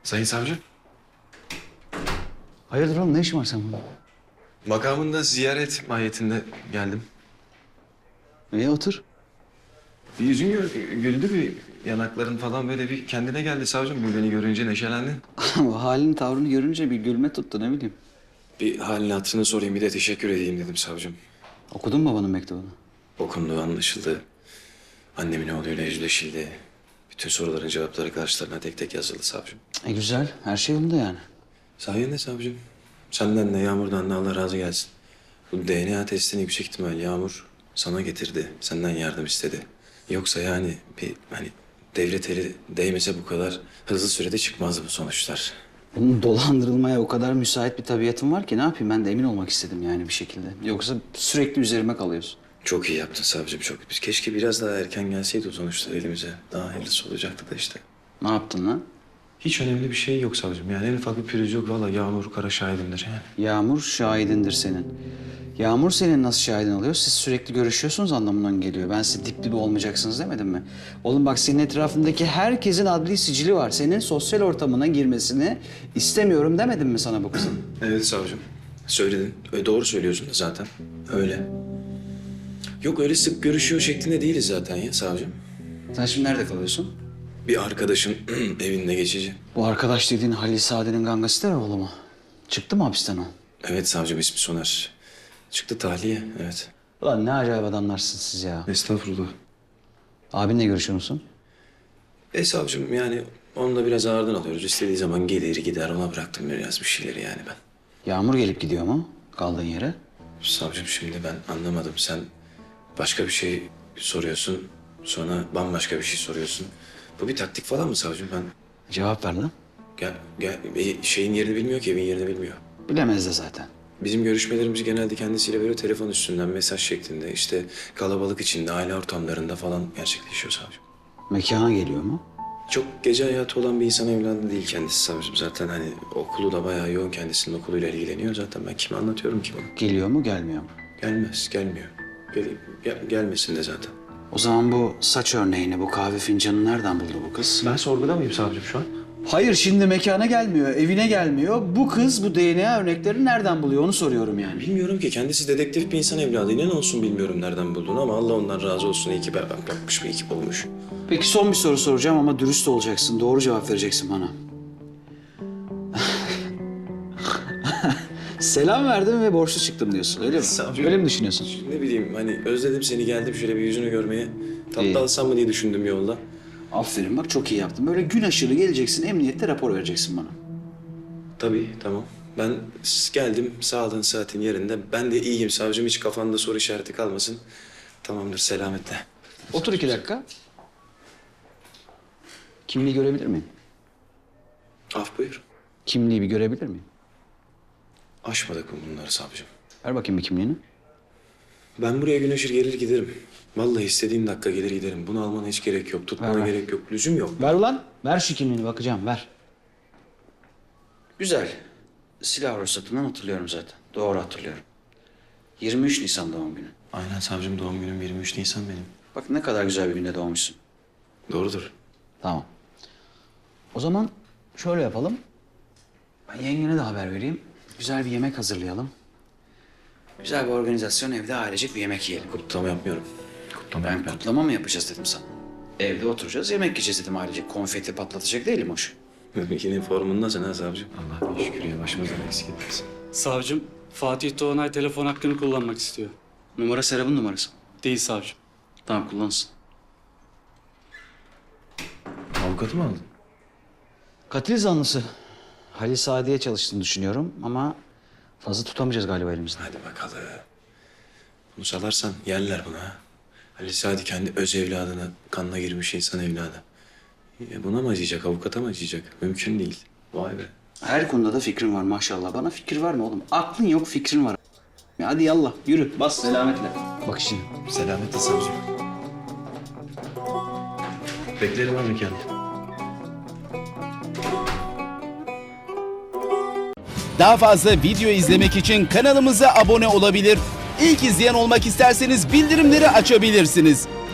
Sayın savcı. Hayırdır oğlum, ne işin var sen burada? Makamında ziyaret mahiyetinde geldim. İyi otur. Bir yüzün güldü, bir yanakların falan böyle bir kendine geldi savcım. Bu beni görünce neşelendin. Halini tavrını görünce bir gülme tuttu, ne bileyim. Bir halini hatırını sorayım, bir de teşekkür edeyim dedim savcım. Okudun mu babanın mektubunu? Okundu, anlaşıldı. Annemin oğluyla yüzleşildi. Bütün soruların cevapları karşılarına tek tek yazıldı savcım. Güzel, her şey yolunda yani. Sayende savcım. Senden de Yağmur'dan da Allah razı gelsin. Bu DNA testini yüksek ihtimal Yağmur sana getirdi. Senden yardım istedi. Yoksa yani bir devlet eli değmese bu kadar hızlı sürede çıkmazdı bu sonuçlar. Bunun dolandırılmaya o kadar müsait bir tabiatım var ki ne yapayım, ben de emin olmak istedim yani bir şekilde. Yoksa sürekli üzerime kalıyorsun. Çok iyi yaptın savcım, çok. Biz keşke biraz daha erken gelseydi o sonuçlar elimize. Daha hayırlısı olacaktı da işte. Ne yaptın lan? Hiç önemli bir şey yok savcım. Yani en ufak bir pürüz yok. Vallahi Yağmur kara şahidimdir yani. Yağmur şahidindir senin. Yağmur senin nasıl şahidin oluyor? Siz sürekli görüşüyorsunuz anlamından geliyor. Ben size dip dibe olmayacaksınız demedim mi? Oğlum bak, senin etrafındaki herkesin adli sicili var. Senin sosyal ortamına girmesini istemiyorum demedim mi sana bu kızın? Evet savcım. Söyledin. Doğru söylüyorsun da zaten. Öyle. Yok, öyle sık görüşüyor şeklinde değiliz zaten ya savcım. Sen şimdi nerede kalıyorsun? Bir arkadaşın evinde geçici. Bu arkadaş dediğin Halil Saadet'in gangster oğlu mu? Çıktı mı hapisten o? Evet savcım, ismi Soner. Çıktı tahliye, evet. Ulan ne acayip adamlarsınız siz ya. Estağfurullah. Abinle görüşüyor musun? Savcım yani onunla biraz ağırdan alıyoruz. İstediği zaman gelir gider, ona bıraktım biraz bir şeyleri yani ben. Yağmur gelip gidiyor mu kaldığın yere? Savcım şimdi ben anlamadım. Sen başka bir şey soruyorsun. Sonra bambaşka bir şey soruyorsun. Bu bir taktik falan mı savcım? Ben Cevap ver lan. şeyin yerini bilmiyor ki, evin yerini bilmiyor. Bilemez de zaten. Bizim görüşmelerimiz genelde kendisiyle böyle telefon üstünden mesaj şeklinde, işte kalabalık içinde, aile ortamlarında falan gerçekleşiyor savcım. Mekana geliyor mu? Çok gece hayatı olan bir insan evladı değil kendisi savcım. Zaten hani okulu da bayağı yoğun, kendisinin okuluyla ilgileniyor. Zaten ben kime anlatıyorum ki bunu? Geliyor mu gelmiyor mu? Gelmez, gelmiyor. Gelmesin de zaten. O zaman bu saç örneğini, bu kahve fincanını nereden buldu bu kız? Ben sorguda mıyım savcım şu an? Hayır, şimdi mekana gelmiyor, evine gelmiyor. Bu kız bu DNA örneklerini nereden buluyor onu soruyorum yani. Bilmiyorum ki, kendisi dedektif bir insan evladı. İnan olsun bilmiyorum nereden bulduğunu ama Allah ondan razı olsun. İyi ki berbat yapmış, bir ekip olmuş. Peki son bir soru soracağım ama dürüst olacaksın. Doğru cevap vereceksin bana. Selam verdim ve borçlu çıktım diyorsun, öyle mi? Savcım. Öyle mi düşünüyorsun? Ne bileyim hani özledim seni, geldim şöyle bir yüzünü görmeye. Tatlı İyi. alsam mı diye düşündüm yolda. Aferin bak, çok iyi yaptın. Böyle gün aşırı geleceksin, emniyette rapor vereceksin bana. Tabii, tamam. Ben geldim, sağlığın saatin yerinde. Ben de iyiyim savcım, hiç kafanda soru işareti kalmasın. Tamamdır, selametle. Otur 2 dakika. Kimliği görebilir miyim? Af buyur. Kimliği bir görebilir miyim? Aşmadık mı bunları savcım? Ver bakayım bir kimliğini. Ben buraya gün ışır gelir giderim. Vallahi istediğin dakika gelir giderim. Bunu almana hiç gerek yok. Tutmana Ver. gerek yok. Lüzum yok. Ver ulan. Ver şu kimliğini, bakacağım, ver. Güzel. Silah ruhsatından hatırlıyorum zaten. Doğru hatırlıyorum. 23 Nisan doğum günü. Aynen savcım, doğum günüm 23 Nisan benim. Bak ne kadar güzel bir günde doğmuşsun. Doğrudur. Tamam. O zaman şöyle yapalım. Ben yengene de haber vereyim. Güzel bir yemek hazırlayalım. Güzel bir organizasyon, evde ailecek bir yemek yiyelim. Kutlama yapmıyorum. Kutlama Ben yapmıyorum. kutlama mı yapacağız dedim sana. Evde oturacağız, yemek yiyeceğiz dedim ailecek. Konfeti patlatacak değilim hoş. Yine formundasın ha savcım. Allah bir şükür ya, başımızdan eksik etmesin. Savcım, Fatih Doğanay telefon hakkını kullanmak istiyor. Numara Serap'ın numarası. Değil savcım. Tamam, kullansın. Avukatı mı aldın? Katil zanlısı. Halil Saadet'e çalıştığını düşünüyorum ama fazla tutamayacağız galiba elimizde. Hadi bakalım. Bunu salarsan yerler bunu ha. Ali Sadi kendi öz evladına, kanına girmiş insan evladı. Buna mı acıyacak, avukata mı acıyacak? Mümkün değil. Vay be. Her konuda da fikrin var maşallah. Bana fikir var mı oğlum? Aklın yok, fikrin var. Ya hadi yallah yürü, bas selametle. Bak şimdi. Selametle savcım. Beklerim ha mekanda. Daha fazla video izlemek için kanalımıza abone olabilir. İlk izleyen olmak isterseniz bildirimleri açabilirsiniz.